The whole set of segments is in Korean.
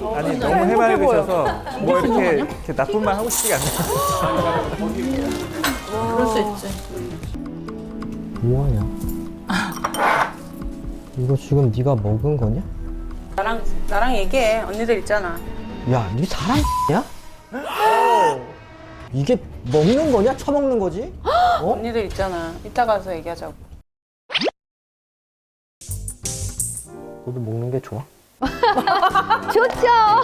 아니 너무 해맑으셔서 뭐 이렇게 나쁜 말 하고 싶지가 않네요. 그럴 수 있지. 뭐하냐? 이거 지금 네가 먹은 거냐? 나랑 얘기해. 언니들 있잖아. 야, 네 사람이야? 이게 먹는 거냐? 처먹는 거지? 어? 언니들 있잖아. 이따 가서 얘기하자고. 너도 먹는 게 좋아? 좋죠.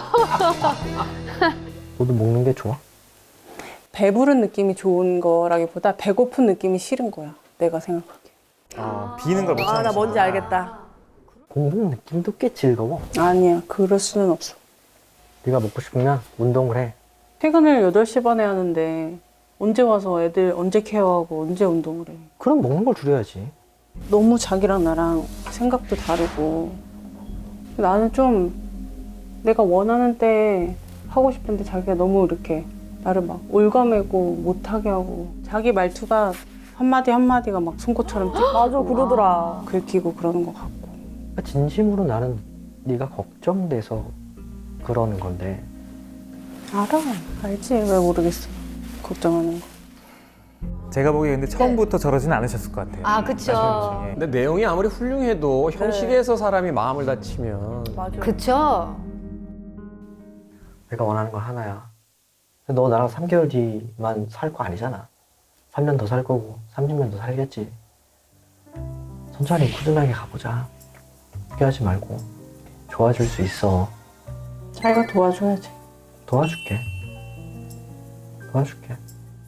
너도 먹는 게 좋아? 배부른 느낌이 좋은 거라기보다 배고픈 느낌이 싫은 거야. 내가 생각하기에. 비는 걸 못 참으시네. 나 뭔지 알겠다. 먹는 느낌도 꽤 즐거워. 아니야. 그럴 수는 없어. 네가 먹고 싶으면 운동을 해. 퇴근을 8시 반에 하는데 언제 와서 애들 언제 케어하고 언제 운동을 해. 그럼 먹는 걸 줄여야지. 너무 자기랑 나랑 생각도 다르고 나는 좀 내가 원하는 때 하고 싶은데 자기가 너무 이렇게 나를 막 올가매고 못하게 하고 자기 말투가 한마디 한마디가 막 송곳처럼 맞아, 그러더라. 긁히고 그러는 것 같고. 진심으로 나는 네가 걱정돼서 그러는 건데 알아. 알지. 왜 모르겠어. 걱정하는 거. 제가 보기에 근데 처음부터 저러진 않으셨을 것 같아요. 아, 그쵸. 말씀 중에. 근데 내용이 아무리 훌륭해도 형식에서 사람이 마음을 다치면 맞아. 그쵸. 내가 원하는 건 하나야. 근데 너 나랑 3개월 뒤만 살 거 아니잖아. 3년 더 살 거고 30년 더 살겠지. 천천히 꾸준하게 가보자. 포기하지 말고. 좋아질 수 있어. 자기가 도와줘야지. 도와줄게. 도와줄게.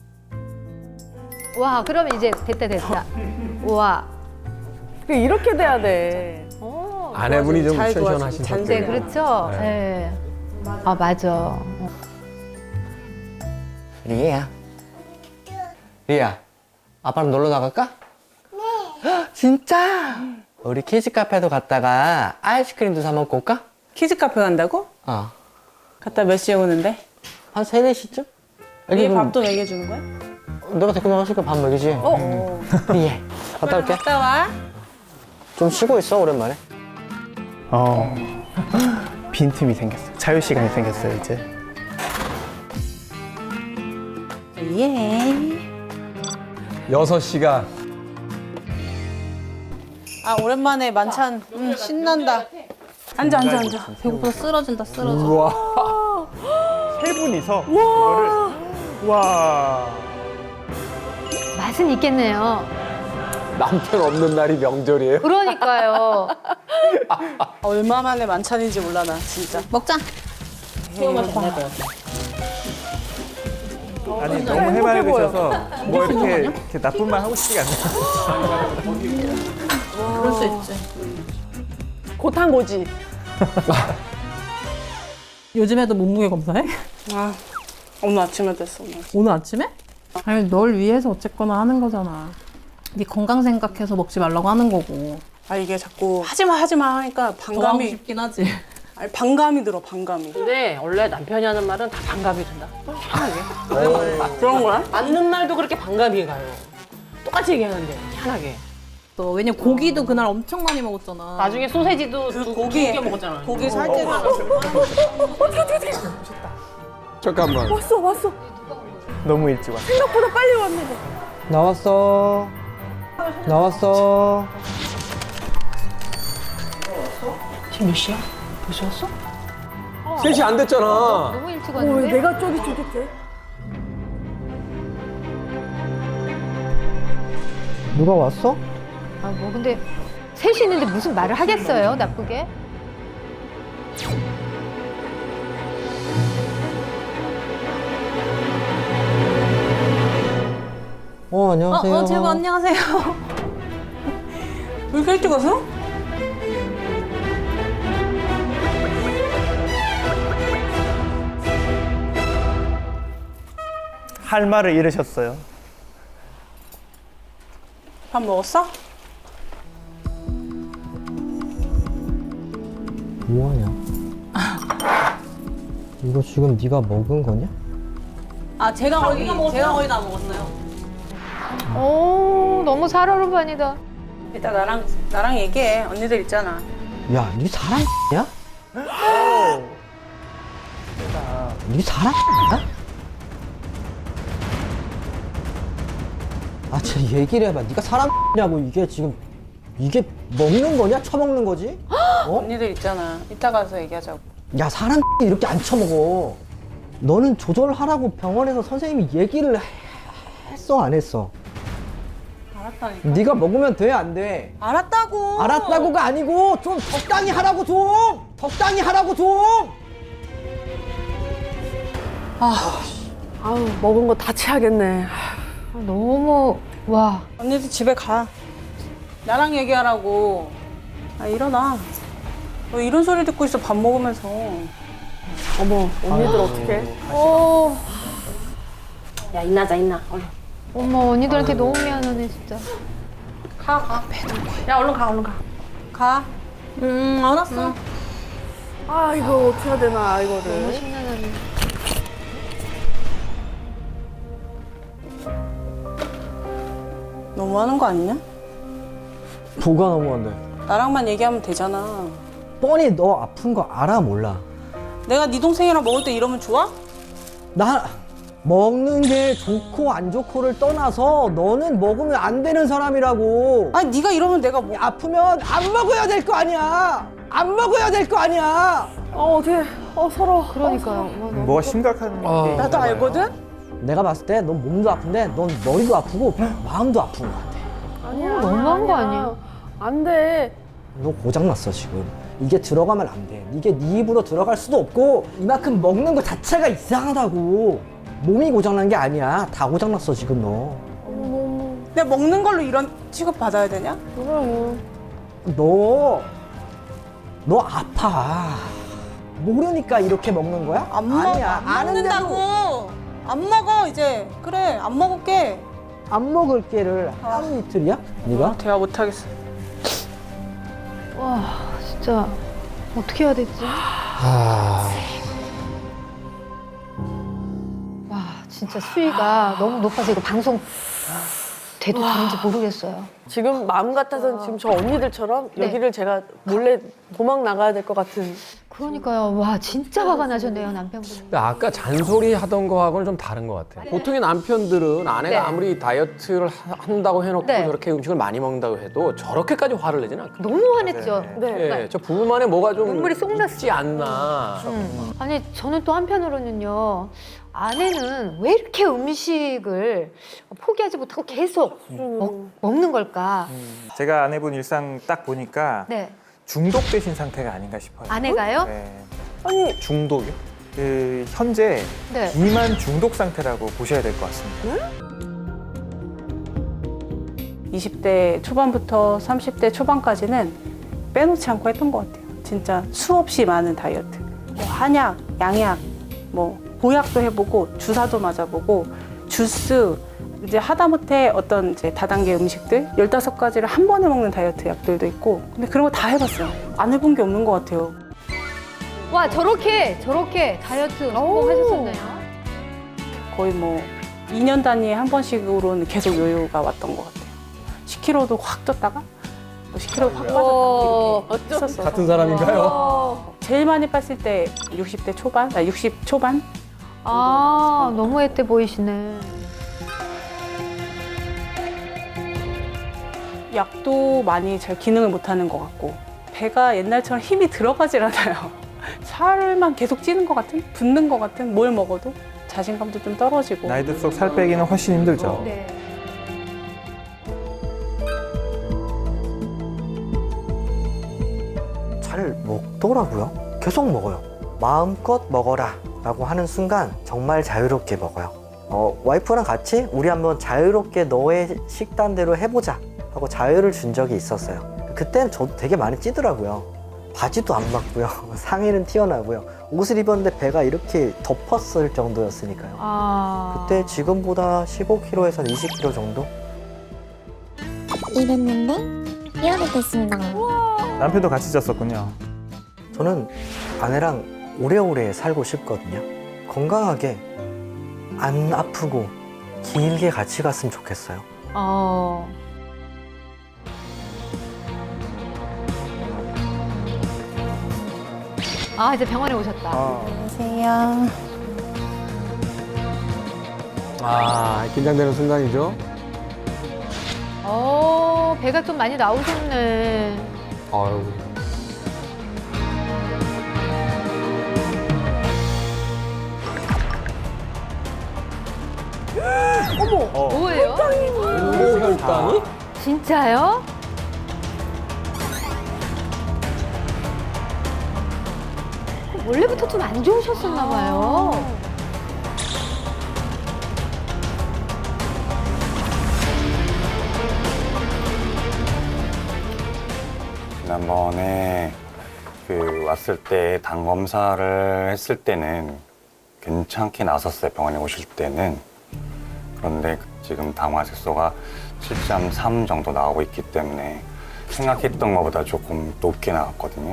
와, 그럼 이제 됐다. 와. 이렇게 돼야 돼. 아내분이 좀 잘 도와주고 시원하신 잔- 네, 성격이에요. 그렇죠. 네. 아, 맞아. 리에야. 리에야, 아빠랑 놀러 나갈까? 네. 진짜? 우리 키즈 카페도 갔다가 아이스크림도 사 먹고 올까? 키즈 카페 간다고? 어. 갔다 몇 시에 오는데? 한 3, 4시쯤? 얘 밥도 먹여주는 거야? 내가 데리고 나갔으니까 밥 먹이지. 리에, 갔다 올게. 갔다 와. 좀 쉬고 있어, 오랜만에. 빈틈이 생겼어요. 자유 시간이 생겼어요, 이제. 예. 6시간. 아 오랜만에 만찬. 신난다. 앉아. 배고파 쓰러진다. 우와. 세 분이서 이거를 와. 맛은 있겠네요. 남편 없는 날이 명절이에요? 그러니까요. 얼마만에 만찬인지 몰라 나 진짜. 먹자. 아니 너무 해맑으셔서 뭐 이렇게 나쁜 말 하고 싶지가 않네요. 그럴 수 있지. 곧한 거지. 요즘에도 몸무게 검사해? 아 오늘 아침에 됐어. 오늘. 오늘 아침에? 아니 널 위해서 어쨌거나 하는 거잖아. 네 건강 생각해서 먹지 말라고 하는 거고. 아 이게 자꾸 하지마 하니까 더 하고 반감이. 싶긴 하지. 아니 반감이 들어 반감이. 근데 원래 남편이 하는 말은 다 반감이 든다. 그런 거야? 맞는 말도 그렇게 반감이 가요. 똑같이 얘기하는데 희한하게. 또 왜냐면 고기도 그날 엄청 많이 먹었잖아. 나중에 소세지도 두 고기 개 먹었잖아. 고기 살 때는 잠깐만. 왔어. 너무 일찍 왔어. 생각보다 빨리 왔네. 나왔어. 지금 몇 시야? 벌써 왔어? 3시 안 됐잖아. 너무 일찍 왜 왔는데? 내가 쫄깃쫄깃해? 누가 왔어? 아, 뭐 근데 셋이 있는데 무슨 말을 하겠어요, 나쁘게? 안녕하세요. 제부 안녕하세요. 왜 이렇게 일찍 와서? 할 말을 잃으셨어요. 밥 먹었어? 뭐하냐? 이거 지금 네가 먹은 거냐? 아 제가 거의 다 먹었어요. 오, 너무 살얼음판이다. 이따 나랑 얘기해. 언니들 있잖아. 야, 네 사람이야? 네 사람 아, 진짜 얘기를 해봐. 네가 사람냐고. 이게 지금 이게 먹는 거냐? 처먹는 거지? 어? 언니들 있잖아. 이따 가서 얘기하자고. 야, 사람 이렇게 안 처먹어. 너는 조절하라고 병원에서 선생님이 얘기를 했어, 안 했어? 알았다니까. 네가 먹으면 돼, 안 돼? 알았다고. 알았다고가 아니고 좀 적당히 하라고 좀! 적당히 하라고 좀! 아우, 먹은 거 다 취하겠네. 너무 와. 언니들 집에 가. 나랑 얘기하라고. 아, 일어나. 너 이런 소리 듣고 있어, 밥 먹으면서. 어머, 언니들 어떡해? 야, 인나자, 인나. 얼른. 어머 언니들한테 너무 미안하네 진짜. 가. 야, 얼른 가, 얼른 가. 가. 알았어. 아, 이거 어떻게 해야 되나, 너무 이거를. 심란하네. 너무하는 거 아니냐? 뭐가 너무한데? 나랑만 얘기하면 되잖아. 뻔히 너 아픈 거 알아, 몰라? 내가 네 동생이랑 먹을 때 이러면 좋아? 나 먹는 게 좋고 안 좋고를 떠나서 너는 먹으면 안 되는 사람이라고. 아니, 네가 이러면 내가 뭐. 아프면 안 먹어야 될 거 아니야. 안 먹어야 될 거 아니야. 어떻게, 서로. 그러니까요. 와, 너무 뭐가 심각한 게 나도 있나 봐요. 알거든? 내가 봤을 때 넌 몸도 아픈데 넌 머리도 아프고 마음도 아픈 것 같아. 아니야. 너무한 거 아니야? 안 돼. 너 고장났어 지금. 이게 들어가면 안 돼. 이게 네 입으로 들어갈 수도 없고 이만큼 먹는 거 자체가 이상하다고. 몸이 고장난 게 아니야. 다 고장났어 지금 너. 내가 먹는 걸로 이런 취급 받아야 되냐? 너 아파. 모르니까 이렇게 먹는 거야? 안 먹어. 아니야. 안 먹는다고. 안 먹어, 이제. 그래, 안 먹을게. 안 먹을 게를 하루 이틀이야? 네가? 대화 못하겠어. 와 진짜 어떻게 해야 되지? 와 진짜 수위가 너무 높아서 이거 방송 돼도 되는지 모르겠어요. 지금 마음 같아서는 지금 저 언니들처럼 네. 여기를 제가 몰래 도망 나가야 될 것 같은. 그러니까요. 와 진짜 화가 나셨네요 남편분이. 근데 아까 잔소리 하던 거하고는 좀 다른 것 같아요. 보통의 남편들은 아내가 네. 아무리 다이어트를 한다고 해놓고 네. 저렇게 음식을 많이 먹는다고 해도 저렇게까지 화를 내지는 않거든요. 너무 화냈죠. 예, 저 부부만에 뭐가 좀 눈물이 쏙 났어. 있지 않나. 아니 저는 또 한편으로는요. 아내는 왜 이렇게 음식을 포기하지 못하고 계속 먹는 걸까? 제가 아내분 일상 딱 보니까 네. 중독되신 상태가 아닌가 싶어요. 아내가요? 네. 아니, 중독이요? 그 현재 네. 비만 중독 상태라고 보셔야 될 것 같습니다. 20대 초반부터 30대 초반까지는 빼놓지 않고 했던 것 같아요. 진짜 수없이 많은 다이어트. 뭐 한약, 양약, 뭐 보약도 해보고 주사도 맞아보고 주스, 이제 하다못해 어떤 이제 다단계 음식들 15가지를 한 번에 먹는 다이어트 약들도 있고 근데 그런 거 다 해봤어요. 안 해본 게 없는 것 같아요. 와 저렇게 다이어트 성공하셨었나요? 거의 뭐 2년 단위에 한 번씩으로는 계속 요요가 왔던 것 같아요. 10kg도 확 쪘다가 또 10kg 확 빠졌다가 이렇게 했었어요. 같은 사람인가요? 제일 많이 뺐을 때 60대 초반, 60 초반? 아 너무 애때 보이시네. 약도 많이 잘 기능을 못하는 것 같고 배가 옛날처럼 힘이 들어가질 않아요. 살만 계속 찌는 것 같은? 붓는 것 같은? 뭘 먹어도? 자신감도 좀 떨어지고. 나이 들수록 살 빼기는 훨씬 힘들죠. 네. 잘 먹더라고요. 계속 먹어요. 마음껏 먹어라 라고 하는 순간 정말 자유롭게 먹어요. 와이프랑 같이 우리 한번 자유롭게 너의 식단대로 해보자 하고 자유를 준 적이 있었어요. 그때는 저도 되게 많이 찌더라고요. 바지도 안 맞고요. 상의는 튀어나고요. 옷을 입었는데 배가 이렇게 덮었을 정도였으니까요. 아 그때 지금보다 15kg에서 20kg 정도? 이랬는데 이렇게 됐습니다. 남편도 같이 쪘었군요. 저는 아내랑 오래오래 살고 싶거든요. 건강하게 안 아프고 길게 같이 갔으면 좋겠어요. 아 이제 병원에 오셨다. 안녕하세요. 아, 긴장되는 순간이죠. 배가 좀 많이 나오셨네. 아유. 뭐예요? 혈당이? 진짜요? 원래부터 좀 안 좋으셨었나 봐요. 지난번에 왔을 때 당 검사를 했을 때는 괜찮게 나섰어요. 병원에 오실 때는. 그런데 지금 당화색소가 7.3 정도 나오고 있기 때문에 생각했던 것보다 조금 높게 나왔거든요.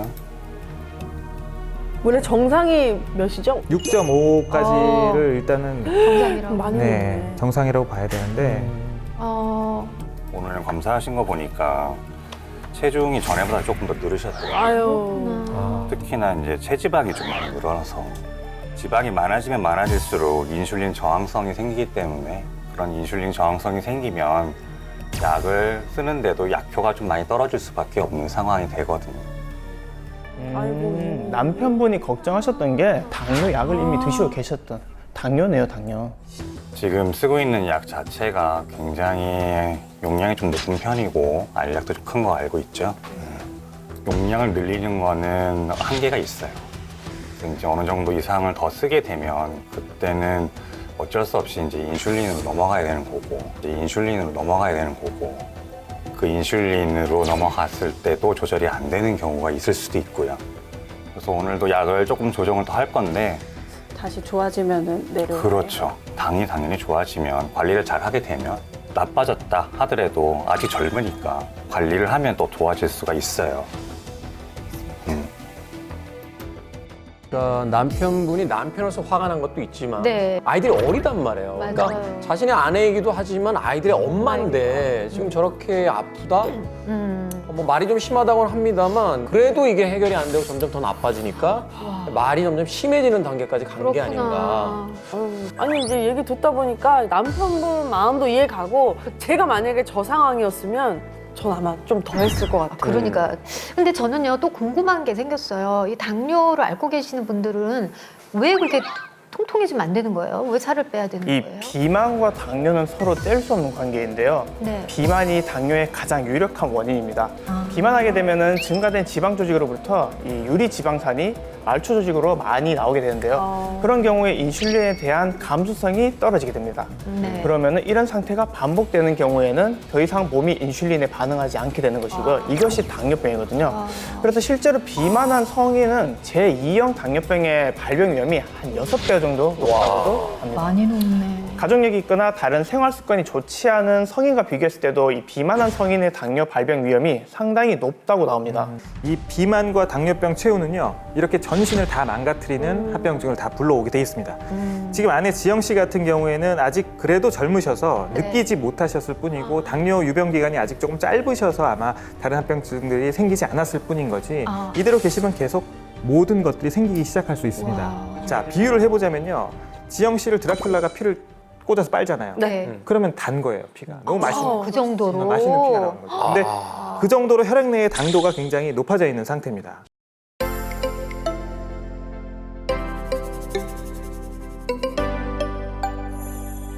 원래 정상이 몇이죠? 6.5까지를 일단은 정상이라고. 많이 네, 정상이라고 봐야 되는데 오늘 검사하신 거 보니까 체중이 전에보다 조금 더 늘으셨더라고요. 아유. 특히나 이제 체지방이 좀 많이 늘어나서 지방이 많아지면 많아질수록 인슐린 저항성이 생기기 때문에 그런 인슐린 저항성이 생기면 약을 쓰는데도 약효가 좀 많이 떨어질 수밖에 없는 상황이 되거든요. 아이고. 남편분이 걱정하셨던 게 당뇨 약을 이미 드시고 계셨던 당뇨네요, 당뇨. 지금 쓰고 있는 약 자체가 굉장히 용량이 좀 높은 편이고 알약도 좀 큰 거 알고 있죠. 용량을 늘리는 거는 한계가 있어요. 그래서 이제 어느 정도 이상을 더 쓰게 되면 그때는 어쩔 수 없이 이제 인슐린으로 넘어가야 되는 거고, 그 인슐린으로 넘어갔을 때도 조절이 안 되는 경우가 있을 수도 있고요. 그래서 오늘도 약을 조금 조정을 더 할 건데. 다시 좋아지면은 내려. 그렇죠. 당이 당연히 좋아지면 관리를 잘 하게 되면 나빠졌다 하더라도 아직 젊으니까 관리를 하면 또 좋아질 수가 있어요. 그러니까 남편분이 남편으로서 화가 난 것도 있지만 네. 아이들이 어리단 말이에요. 맞아요. 그러니까 자신의 아내이기도 하지만 아이들의 엄마인데 지금 저렇게 아프다? 뭐 말이 좀 심하다고는 합니다만 그래도 이게 해결이 안 되고 점점 더 나빠지니까 말이 점점 심해지는 단계까지 간 게 아닌가. 아니 이제 얘기 듣다 보니까 남편분 마음도 이해 가고 제가 만약에 저 상황이었으면 전 아마 좀 더 했을 것 같아요. 그러니까. 근데 저는요, 또 궁금한 게 생겼어요. 이 당뇨를 앓고 계시는 분들은 왜 그렇게 통통해지면 안 되는 거예요? 왜 살을 빼야 되는 이 거예요? 비만과 당뇨는 서로 뗄 수 없는 관계인데요. 네. 비만이 당뇨의 가장 유력한 원인입니다. 비만하게 되면은 증가된 지방 조직으로부터 이 유리 지방산이 말초 조직으로 많이 나오게 되는데요. 그런 경우에 인슐린에 대한 감수성이 떨어지게 됩니다. 네. 그러면은 이런 상태가 반복되는 경우에는 더 이상 몸이 인슐린에 반응하지 않게 되는 것이고 이것이 당뇨병이거든요. 그래서 실제로 비만한 성인은 제2형 당뇨병의 발병 위험이 한 6배 정도 높다고도 합니다. 많이 높네. 가족력이 있거나 다른 생활 습관이 좋지 않은 성인과 비교했을 때도 이 비만한 성인의 당뇨 발병 위험이 상당히 높다고 나옵니다. 이 비만과 당뇨병 최후는요, 이렇게 전신을 다 망가뜨리는 합병증을 다 불러오게 돼 있습니다. 지금 아내 지영 씨 같은 경우에는 아직 그래도 젊으셔서 네. 느끼지 못하셨을 뿐이고 당뇨 유병 기간이 아직 조금 짧으셔서 아마 다른 합병증들이 생기지 않았을 뿐인 거지 이대로 계시면 계속 모든 것들이 생기기 시작할 수 있습니다. 자, 비유를 해보자면요, 지영 씨를 드라큘라가 피를 꽂아서 빨잖아요. 네. 그러면 단 거예요, 피가. 너무 맛있는 그 정도로. 맛있는 피가 나오는 거죠. 근데 그 정도로 혈액 내의 당도가 굉장히 높아져 있는 상태입니다.